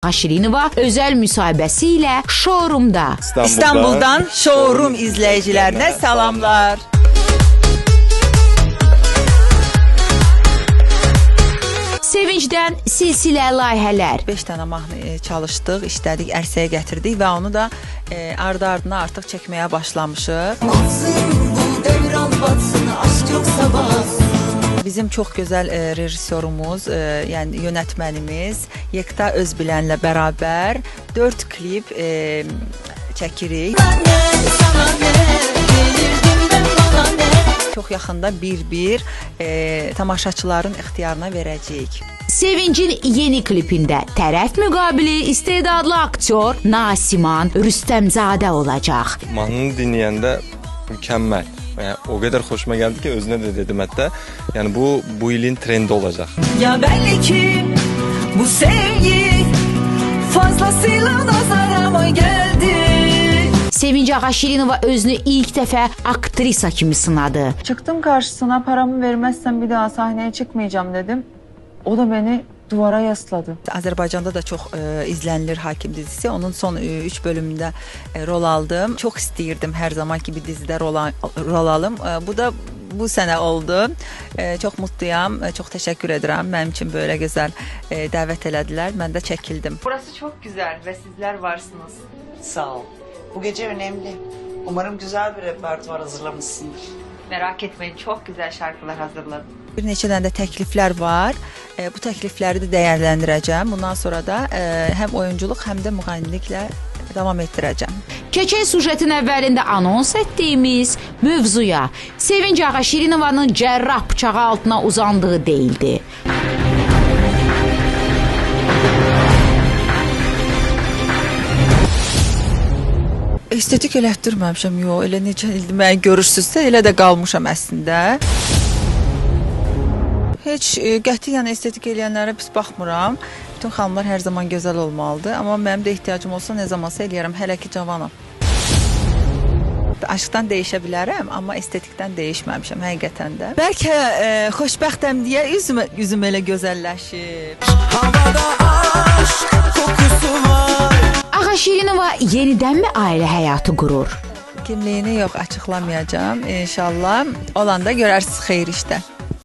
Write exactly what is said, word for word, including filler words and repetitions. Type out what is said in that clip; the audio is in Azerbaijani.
Ağaşirinova özəl müsahibəsi ilə showroomda. İstanbul'dan, İstanbul'dan showroom izləyicilərinə salamlar. Sevincdən silsilə layihələr. beş dənə mahnı çalışdıq, işlədik, ərsəyə gətirdik və onu da e, ardı-ardına artıq çəkməyə başlamışıq. Bizim çox gözəl e, rejissorumuz, e, yəni yönətmənimiz Yekta Özbilənlə bərabər dörd klip e, çəkirik. Çox yaxında bir-bir e, tamaşaçıların ixtiyarına verəcəyik. Sevincin yeni klipində tərəf müqabili istedadlı aktyor Nasiman Rüstəmzadə olacaq. Mahnını dinləyəndə mükəmməl. Yəni, o qədər xoşuma gəldi ki, özünə də dedim hətta. Yəni bu bu ilin trendi olacaq. Ya belli ki bu sevgi fazlasıyla nazarama geldi. Sevinc Ağaşirinova özünü ilk dəfə aktrisa kimi sınadı. Çıktım karşısına, paramı vermezsen bir daha sahneye çıkmayacağım dedim. O da beni duvara yasladı. Azərbaycanda da çox e, izlənilir Hakim dizisi. Onun son e, üç bölümündə e, rol aldım. Çox istəyirdim hər zamanki bir dizidə rol, rol alım. E, bu da bu sənə oldu. E, çox mutluyam. E, çox təşəkkür edirəm. Mənim üçün böyle gözəl e, dəvət elədilər. Mən də çəkildim. Burası çok güzel ve sizler varsınız. Sağ ol. Bu gece önemli. Umarım güzel bir repertuar hazırlamışsındır. Merak etmeyin, çok güzel şarkılar hazırladım. Bir neçə dənə də təkliflər var. E, bu təklifləri də dəyərləndirəcəm. Bundan sonra da e, həm oyunculuq, həm də müğənniliklə davam etdirəcəm. Keçən sujetin əvvəlində anons etdiyimiz mövzuya Sevinc Ağaşirinovanın cərrah bıçağı altına uzandığı deyildi. Estetik elətdirməmişəm, yox. Elə necə ildir məni görürsünüzsə, elə də qalmışam əslində. Heç e, qətiyyən estetik eləyənlərə pis baxmıram. Bütün xanımlar hər zaman gözəl olmalıdır. Amma mənim də ehtiyacım olsa nə zamansa eləyərəm. Hələ ki cavanam. Aşkdan dəyişə bilərəm, amma estetikdən dəyişməmişəm həqiqətən də. Bəlkə e, xoşbəxtəm deyə üzüm, üzüm elə gözəlləşib. Havada aşk kokusu var. Ağaşirinova yenidənmi ailə həyatı qurur? Kimliyini yox, açıqlamayacağım. İnşallah olanda görərsiniz xeyir işdə.